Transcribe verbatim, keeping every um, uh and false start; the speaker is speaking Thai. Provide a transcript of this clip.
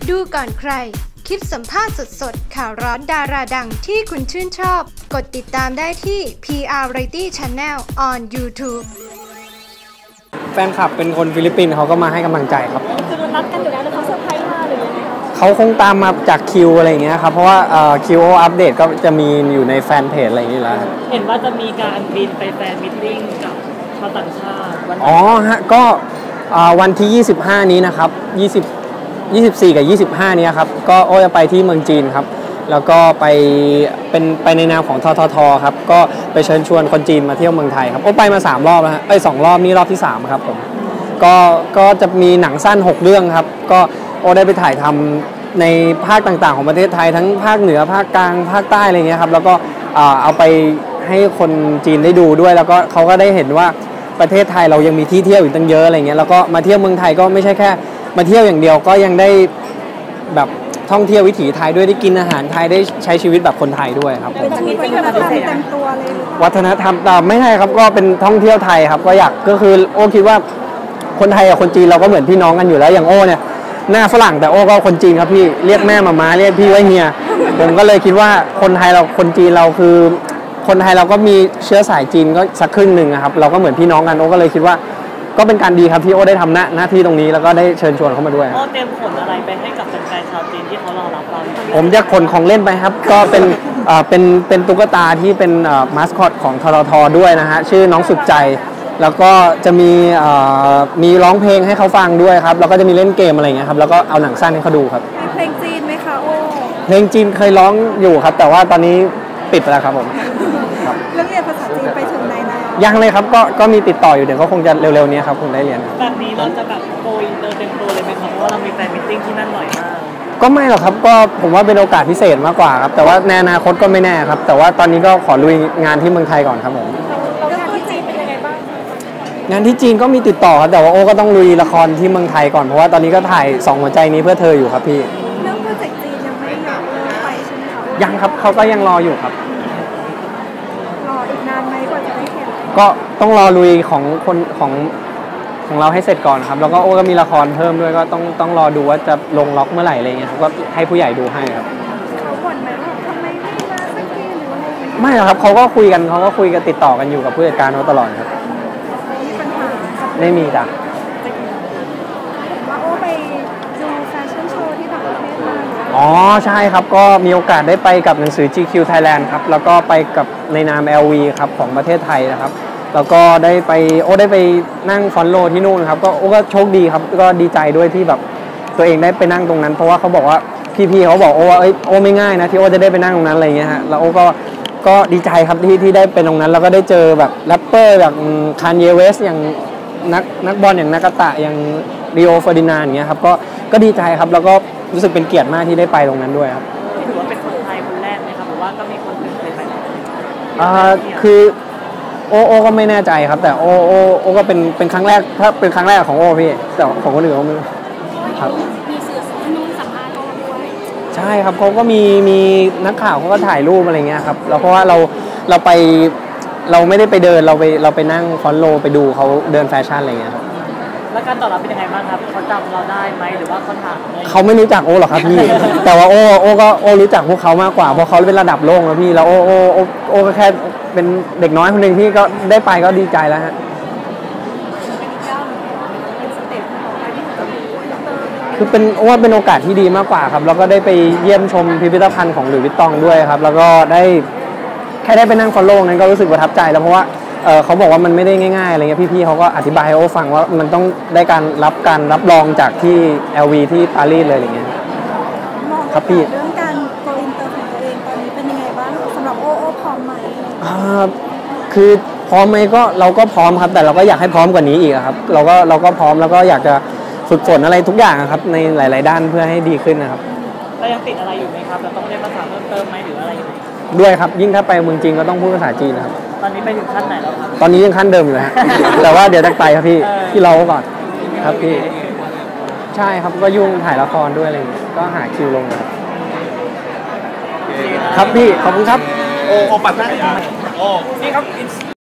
ดูก่อนใครคลิปสัมภาษณ์สดๆข่าวร้อนดาราดังที่คุณชื่นชอบกดติดตามได้ที่ พี อาร์ Variety Channel on YouTube แฟนคลับเป็นคนฟิลิปปินส์เขาก็มาให้กำลังใจครับคือนัดกันอยู่แล้วแล้วเขาเซอร์ไพรส์มาหรือยังไงเขาคงตามมาจากคิวอะไรอย่างเงี้ยครับเพราะว่าคิวอัปเดตก็จะมีอยู่ในแฟนเพจอะไรอย่างเงี้ยแล้วเห็นว่าจะมีการบินไปแฟนมิทติ้งกับชาวต่างชาติอ๋อฮะก็วันที่ยี่สิบห้านี้นะครับยี่สิบ ยี่สิบสี่กับยี่สิบห้านี้ครับก็โอ้จะไปที่เมืองจีนครับแล้วก็ไปเป็นไปในนามของทททครับก็ไปเชิญชวนคนจีนมาเที่ยวเมืองไทยครับโอ้ไปมาสามรอบแล้วฮะไปสองรอบนี่รอบที่สามครับผมก็ก็จะมีหนังสั้นหกเรื่องครับก็โอ้ได้ไปถ่ายทำในภาคต่างๆของประเทศไทยทั้งภาคเหนือภาคกลางภาคใต้อะไรเงี้ยครับแล้วก็เอาไปให้คนจีนได้ดูด้วยแล้วก็เขาก็ได้เห็นว่าประเทศไทยเรายังมีที่เที่ยวอีกตั้งเยอะอะไรเงี้ยแล้วก็มาเที่ยวเมืองไทยก็ไม่ใช่แค่มาเที่ยวอย่างเดียวก็ยังได้แบบท่องเที่ยววิถีไทยด้วยได้กินอาหารไทยได้ใช้ชีวิตแบบคนไทยด้วยครับเป็นชีวิตวัฒนธรรมเต็มตัวเลยวัฒนธรรมแต่ไม่ใช่ครับก็เป็นท่องเที่ยวไทยครับก็อยากก็คือโอ้คิดว่าคนไทยกับคนจีนเราก็เหมือนพี่น้องกันอยู่แล้วอย่างโอ้เนี่ยหน้าฝรั่งแต่โอ้ก็คนจีนครับพี่เรียกแม่มาม้าเรียกพี่ว่าเฮียผมก็เลยคิดว่าคนไทยเราคนจีนเราคือคนไทยเราก็มีเชื้อสายจีนก็สักครึ่งหนึ่งครับเราก็เหมือนพี่น้องกันโอ้ก็เลยคิดว่าก็เป็นการดีครับที่โอ้ได้ทำหน้าหน้าที่ตรงนี้แล้วก็ได้เชิญชวนเข้ามาด้วยโอ้เตรียมขนอะไรไปให้กับแฟนๆชาวจีนที่เขารอรับเราผมจะขนของเล่นไปครับก็เป็นเป็นเป็นตุ๊กตาที่เป็นมาสคอตของทททด้วยนะฮะชื่อน้องสุดใจแล้วก็จะมีมีร้องเพลงให้เขาฟังด้วยครับแล้วก็จะมีเล่นเกมอะไรเงี้ยครับแล้วก็เอาหนังสั้นให้เขาดูครับเพลงจีนไหมคะโอ้เพลงจีนเคยร้องอยู่ครับแต่ว่าตอนนี้ปิดไปแล้วครับผมเรื่องเรียนภาษาจีนไปถึงไหนแล้วยังเลยครับก็ก็มีติดต่ออยู่เดี๋ยวก็คงจะเร็วๆนี้ครับคงได้เรียนแบบนี้เราจะแบบโกอินเตอร์เต็มตัวเลยไหมครับเพราะว่าเรามีแฟนมิทติ้งที่นั่นหน่อยมากก็ไม่หรอกครับก็ผมว่าเป็นโอกาสพิเศษมากกว่าครับแต่ว่าในอนาคตก็ไม่แน่ครับแต่ว่าตอนนี้ก็ขอลุยงานที่เมืองไทยก่อนครับผมเรื่องที่จีนเป็นยังไงบ้างงานที่จีนก็มีติดต่อครับแต่ว่าโอ้ก็ต้องลุยละครที่เมืองไทยก่อนเพราะว่าตอนนี้ก็ถ่ายสองหัวใจนี้เพื่อเธออยู่ครับพี่เรื่องโปรเจกต์จีนยังไม่อยากเลิกไปใช่ไหมคะยังครับเขาก็ยังรออยู่ครับรออีกนานไหมกว่าจะได้เห็นก็ต้องรอลุยของคนของของเราให้เสร็จก่อนครับแล้วก็โอ้ก็มีละครเพิ่มด้วยก็ต้องต้องรอดูว่าจะลงล็อกเมื่อไหร่อะไรเงี้ยครับก็ให้ผู้ใหญ่ดูให้ครับเขาบ่นไหมว่าทำไมไม่มาสักทีหรืออะไรไม่หรอกครับเขาก็คุยกันเขาก็คุยกันติดต่อกันอยู่กับผู้จัดการเขาตลอดครับมีปัญหาไม่มีจ้ะว่าโอ้ไปดูแฟชั่นโชว์ที่ต่างประเทศมาอ๋อใช่ครับก็มีโอกาสได้ไปกับหนังสือ จี คิว Thailand ครับแล้วก็ไปกับในนาม แอล วี ครับของประเทศไทยนะครับแล้วก็ได้ไปโอ้ได้ไปนั่งฟอนโลที่นู่นครับก็โอ้ก็โชคดีครับก็ดีใจด้วยที่แบบตัวเองได้ไปนั่งตรงนั้นเพราะว่าเขาบอกว่าพี่ๆเขาบอกโอ้ว่าเอ้ยโอ้ไม่ง่ายนะที่โอ้จะได้ไปนั่งตรงนั้นอะไรเงี้ยฮะแล้วโอ้ก็ก็ดีใจครับที่ที่ได้เป็นตรงนั้นแล้วก็ได้เจอแบบแรปเปอร์อย่างคานเยเวสอย่างนักนักบอลอย่างนากาตะอย่างริโอเฟอร์ดินานด์อย่างเงี้ยครับก็ก็ดีใจครับแล้วก็รู้สึกเป็นเกียรติมากที่ได้ไปตรงนั้นด้วยครับถือว่าเป็นคนไทยคนแรกไหมครับหรือว่าก็มีคนอื่นเคยไปอ่าคือโอโอก็ไม่แน่ใจครับแต่โอโอโอก็เป็นเป็นครั้งแรกถ้าเป็นครั้งแรกของโอพี่แต่ของคนอื่นเขาไม่ครับมีสื่อที่นู่นสัมภาษณ์โอด้วยใช่ครับเขาก็มีมีนักข่าวเขาก็ถ่ายรูปอะไรเงี้ยครับแล้วเพราะว่าเราเราไปเราไม่ได้ไปเดินเราไปเราไปนั่งฟอนโลไปดูเขาเดินแฟชั่นอะไรเงี้ยครับแล้วการตอบรับเป็นยังไงบ้างครับเขาจำเราได้ไหมหรือว่าเขาถามเขาไม่รู้จักโอหรอกครับพี่แต่ว่าโอโอก็โอรู้จักพวกเขามากกว่าเพราะเขาเป็นระดับโลกแล้วพี่แล้วโอโอโอโอก็แค่เป็นเด็กน้อยคนหนึ่งที่ก็ได้ไปก็ดีใจแล้วฮะคือเป็นโอ้ว่าเป็นโอกาสที่ดีมากกว่าครับแล้วก็ได้ไปเยี่ยมชมพิพิธภัณฑ์ของหลุยส์วิตตองด้วยครับแล้วก็ได้แค่ได้ไปนั่งฟอลโล่นั้นก็รู้สึกประทับใจแล้วเพราะว่าเออเขาบอกว่ามันไม่ได้ง่ายๆอะไรเงี้ยพี่ๆเขาก็อธิบายให้โอ้ฟังว่ามันต้องได้การรับการรับรองจากที่ แอล วี ที่ปารีสเลยอะไรเงี้ยครับพี่เรื่องการโกอินเตอร์ของตัวเองตอนนี้เป็นยังไงบ้างสำหรับโอโอพร้อมไหมอ่าคือพร้อมไหมก็เราก็พร้อมครับแต่เราก็อยากให้พร้อมกว่านี้อีกครับเราก็เราก็พร้อมแล้วก็อยากจะฝึกฝนอะไรทุกอย่างครับในหลายๆด้านเพื่อให้ดีขึ้นนะครับเรายังติดอะไรอยู่ไหมครับเราต้องเรียนภาษาเพิ่มเติมไหมหรืออะไรอยู่ด้วยครับยิ่งถ้าไปเมืองจีนก็ต้องพูดภาษาจีนนะครับตอนนี้ไปถึงขั้นไหนแล้วครับตอนนี้ยังขั้นเดิมอยู่ฮะแต่ว่าเดี๋ยวจะไปครับพี่ที่เราก่อนครับพี่ใช่ครับก็ยุ่งถ่ายละครด้วยอะไรก็หาคิวลงครับครับพี่ขอบคุณครับโอ้ปัดได้โอ้นี่ครับ